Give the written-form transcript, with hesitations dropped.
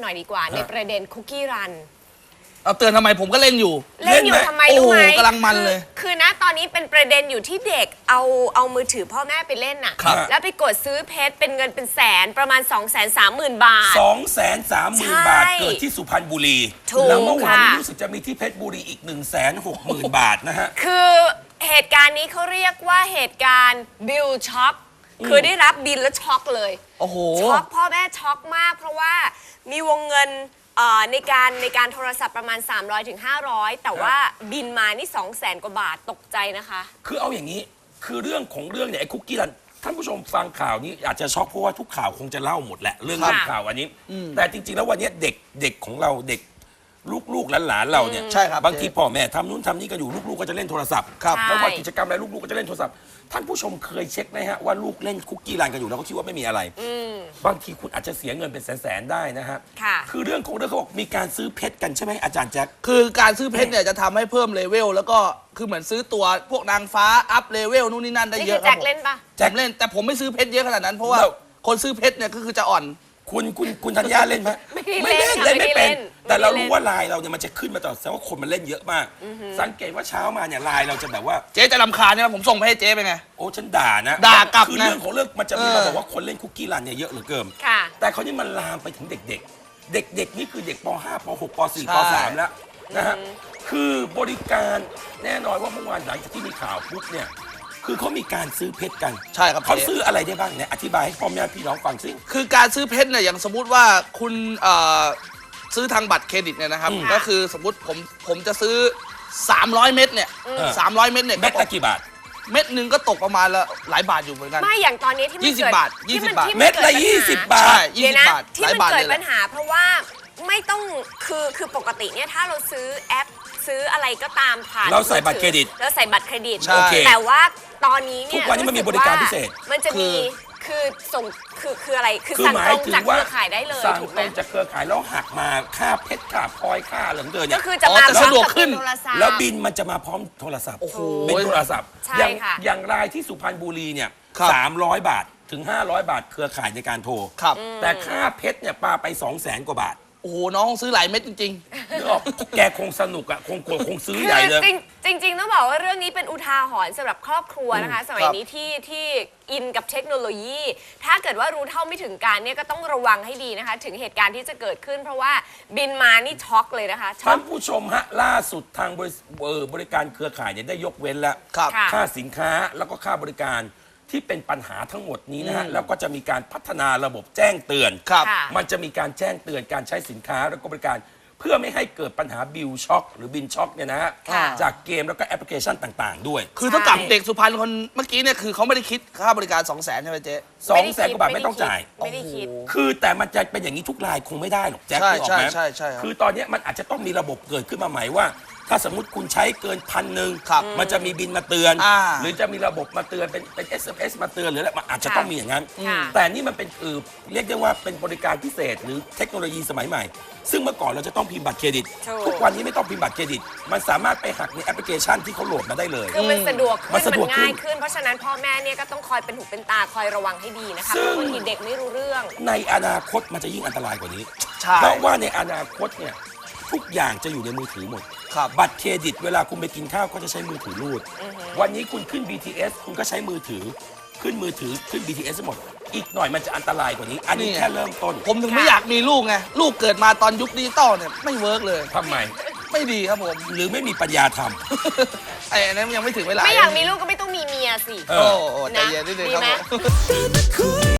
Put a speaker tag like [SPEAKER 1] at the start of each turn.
[SPEAKER 1] หน่อยดีกว่าในประเด็นคุกกี้รัน
[SPEAKER 2] เอาเตือนทำไมผมก็เล่นอยู่
[SPEAKER 1] ทำไมรู้ไหม
[SPEAKER 2] กำลังมันเลย
[SPEAKER 1] คือนะตอนนี้เป็นประเด็นอยู่ที่เด็กเอามือถือพ่อแม่ไปเล่นน่ะแล้วไปกดซื้อเพชรเป็นเงินเป็นแสนประมาณ 230,000 บาท
[SPEAKER 3] 230,000 บาทเกิดที่สุพรรณบุรีแล้วเมื่อวานนี้รู้สึกจะมีที่เพชรบุรีอีก 160,000 บาทนะฮะ
[SPEAKER 1] คือเหตุการณ์นี้เขาเรียกว่าเหตุการณ์บิลช็อกคือได้รับบิลแล้วช็อกเลย
[SPEAKER 2] โอ้โห
[SPEAKER 1] ช็อกพ่อแม่ช็อกมากเพราะว่ามีวงเงินในการโทรศัพท์ประมาณ300 ถึง 500แต่ว่าบินมานี่ 200,000 กว่าบาทตกใจนะคะ
[SPEAKER 3] คือเอาอย่างนี้คือเรื่องของเรื่องเนี่ยไอ้คุกกี้รันท่านผู้ชมฟังข่าวนี้อาจจะช็อกเพราะว่าทุกข่าวคงจะเล่าหมดแหละเรื่องข่าวอันนี้แต่จริงๆแล้ววันนี้เด็กของเราเด็กลูกหลานเราเนี่ย
[SPEAKER 2] ใช่ครับ
[SPEAKER 3] บางทีพ่อแม่ทำนู้นทำนี่กันอยู่ลูกๆก็จะเล่นโทรศัพท์แล้วว่ากิจกรรมอะไรลูกๆก็จะเล่นโทรศัพท์ท่านผู้ชมเคยเช็คไหมฮะว่าลูกเล่นคุกกี้รันกันอยู่แล้วก็คิดว่าไม่มีอะไรบางทีคุณอาจจะเสียเงินเป็นแสนๆได้นะฮะคือเรื่องของเรื่องเขาบอกมีการซื้อเพชรกันใช่ไหมอาจารย์แจ็ค
[SPEAKER 2] คือการซื้อเพชรเนี่ยจะทำให้เพิ่มเลเวลแล้วก็คือเหมือนซื้อตัวพวกนางฟ้าอัพเลเวลนู่นนี่นั่นได้เยอะ
[SPEAKER 1] ครับแจ็คเล่นปะ
[SPEAKER 2] แจ็คเล่นแต่ผมไม่ซื้อเพชรเยอะขนาดนั้นเพราะว่าคนซื้อเพชรเนี่ยก็คือจะอ่อน
[SPEAKER 3] คุณธัญญาเล่นไหมไม่เล่นไม่เป็นแต่เรารู้ว่าลายเราเนี่ยมันจะขึ้นมาตลอดแสดงว่าคนมันเล่นเยอะมากสังเกตว่าเช้ามาเนี่ยลายเราจะแบบว่า
[SPEAKER 2] เจ๊จะรำคาญใช่ไหมผมส่งไปให้เจ๊ไปไง
[SPEAKER 3] โอ้ฉันด่านะ
[SPEAKER 2] ด่ากลับ
[SPEAKER 3] คือเรื่องของเรื่องมันจะมีมาบอกว่าคนเล่นคุกกี้รันเนี่ยเยอะเหลือเกินแต่เขานี่มันลามไปถึงเด็กนี่คือเด็กป .5 ป .6 ป .4 ป .3 แล้วนะฮะคือบริการแน่นอนว่าเมื่อวานหลังจากที่มีข่าวปุ๊บเนี่ยคือเขามีการซื้อเพชรกัน
[SPEAKER 2] ใช่ครับ
[SPEAKER 3] เขาซื้ออะไรได้บ้างเนี่ยอธิบายให้พ่อแม่พี่น้องฟังสิ
[SPEAKER 2] คือการซื้อเพชรเนี่ยอย่างสมมุติว่าคุณซื้อทางบัตรเครดิตเนี่ยนะครับก็คือสมมุติผมจะซื้อ300 เม็ดเนี่ย300 เม็ดเนี่ย
[SPEAKER 3] เม็ดละกี่บาท
[SPEAKER 2] เม็ดหนึ่งก็ตกประมาณละหลายบาทอยู่เหมือนกัน
[SPEAKER 1] ไม่อย่างตอนนี้ที่มัน
[SPEAKER 2] 20 บาท
[SPEAKER 3] เม็ดละ20 บาท
[SPEAKER 2] 20 บาท
[SPEAKER 1] ที่มันเกิดปัญหาเพราะว่าไม่ต้องคือปกติเนี่ยถ้าเราซื้อแอปซื้ออะไรก็ตามผ่าน
[SPEAKER 3] เราใส่บัตรเครดิต
[SPEAKER 1] แต่ว่าตอนนี้เนี่ย
[SPEAKER 3] ทุกวันนี้มันมีบริการพิเศษ
[SPEAKER 1] มันจะมีคือส่งคืออะไรคือสั่งตรงจากเครือข่ายได้เลย
[SPEAKER 3] สั่งตรงจากเครือข่ายแล้วหักมาค่าเพชรค่าพลอยค่าเหลืองเกินเนี่ย
[SPEAKER 1] ก็คือจะมา
[SPEAKER 2] สะดวกขึ้น
[SPEAKER 3] แล้วบินมันจะมาพร้อมโทรศัพท์เป็นโทรศัพท์อย่างรายที่สุพรรณบุรีเนี่ย300 บาทถึง500 บาทเครือข่ายในการโทรแต่ค่าเพชรเนี่ยปาไป200,000 กว่าบาท
[SPEAKER 2] โอ้โหน้องซื้อหลายเม็ดจริง
[SPEAKER 3] ๆนึกออกแกคงสนุกอ่ะคงซื้อใหญ่เลย
[SPEAKER 1] จริงต้องบอกว่าเรื่องนี้เป็นอุทาหรณ์สำหรับครอบครัวนะคะสมัยนี้ที่อินกับเทคโนโลยีถ้าเกิดว่ารู้เท่าไม่ถึงการเนี่ยก็ต้องระวังให้ดีนะคะถึงเหตุการณ์ที่จะเกิดขึ้นเพราะว่าบินมานี่ช็อกเลยนะคะ
[SPEAKER 3] ท่านผู้ชมฮะล่าสุดทางบริการเครือข่ายเนี่ยได้ยกเว้นแล้วค่าสินค้าแล้วก็ค่าบริการที่เป็นปัญหาทั้งหมดนี้นะฮะแล้วก็จะมีการพัฒนาระบบแจ้งเตือนมันจะมีการแจ้งเตือนการใช้สินค้าแล้วก็บริการเพื่อไม่ให้เกิดปัญหาบิลช็อคหรือบินช็อคเนี่ยนะฮะจากเกมแล้วก็แอปพลิเคชันต่างๆด้วย
[SPEAKER 2] คือเท่ากับเด็กสุพรรณคนเมื่อกี้เนี่ยคือเขาไม่ได้คิดค่าบริการ200,000ใช่ไหมเจ๊
[SPEAKER 3] 200,000 กว่าบาทไม่ต้องจ่าย
[SPEAKER 1] ไม่ได้คิด
[SPEAKER 3] คือแต่มันจะเป็นอย่างนี้ทุกรายคงไม่ได้หรอกแจ็คถูกไหมคือตอนนี้มันอาจจะต้องมีระบบเกิดขึ้นมาใหม่ว่าถ้าสมมติคุณใช้เกิน1,000มันจะมีบินมาเตือนหรือจะมีระบบมาเตือนเป็น SMS มาเตือนหรืออะไรมันอาจจะต้องมีอย่างนั้นแต่นี่มันเป็นเรียกได้ว่าเป็นบริการพิเศษหรือเทคโนโลยีสมัยใหม่ซึ่งเมื่อก่อนเราจะต้องพิมพ์บัตรเครดิตทุกวันนี้ไม่ต้องพิมพ์บัตรเครดิตมันสามารถไปหักในแอปพลิเคชันที่เขาโหลดมาได้เลย
[SPEAKER 1] คือมันสะดวกขึ้นมันง่ายขึ้นเพราะฉะนั้นพ่อแม่เนี่ยก็ต้องคอยเป็นหูเป็นตาคอยระวังให้ดีนะคะเพราะบางทีเด็กไม่รู้เรื่อง
[SPEAKER 3] ในอนาคตมันจะยิ่งอันตรายกว่านี้เพราะว่าในอนาคตเนี่ยทุกอย่างจะอยู่ในมือถือหมดบัตรเครดิตเวลาคุณไปกินข้าวก็จะใช้มือถือรูดวันนี้คุณขึ้น BTS คุณก็ใช้มือถือขึ้น BTS หมดอีกหน่อยมันจะอันตรายกว่านี้อันนี้แค่เริ่มต้น
[SPEAKER 2] ผมถึงไม่อยากมีลูกไงลูกเกิดมาตอนยุคดิจิตอลเนี่ยไม่เวิร์กเลย
[SPEAKER 3] ทำไม
[SPEAKER 2] ไม่ดีครับผม
[SPEAKER 3] หรือไม่มีปัญญาท
[SPEAKER 2] ำไอ้นั้นยังไม่ถึงเวลา
[SPEAKER 1] ไม่อยากมีลูกก็ไม่ต้องมีเมียสิ
[SPEAKER 2] โอ้ใจเย็นนิดนึงครับผม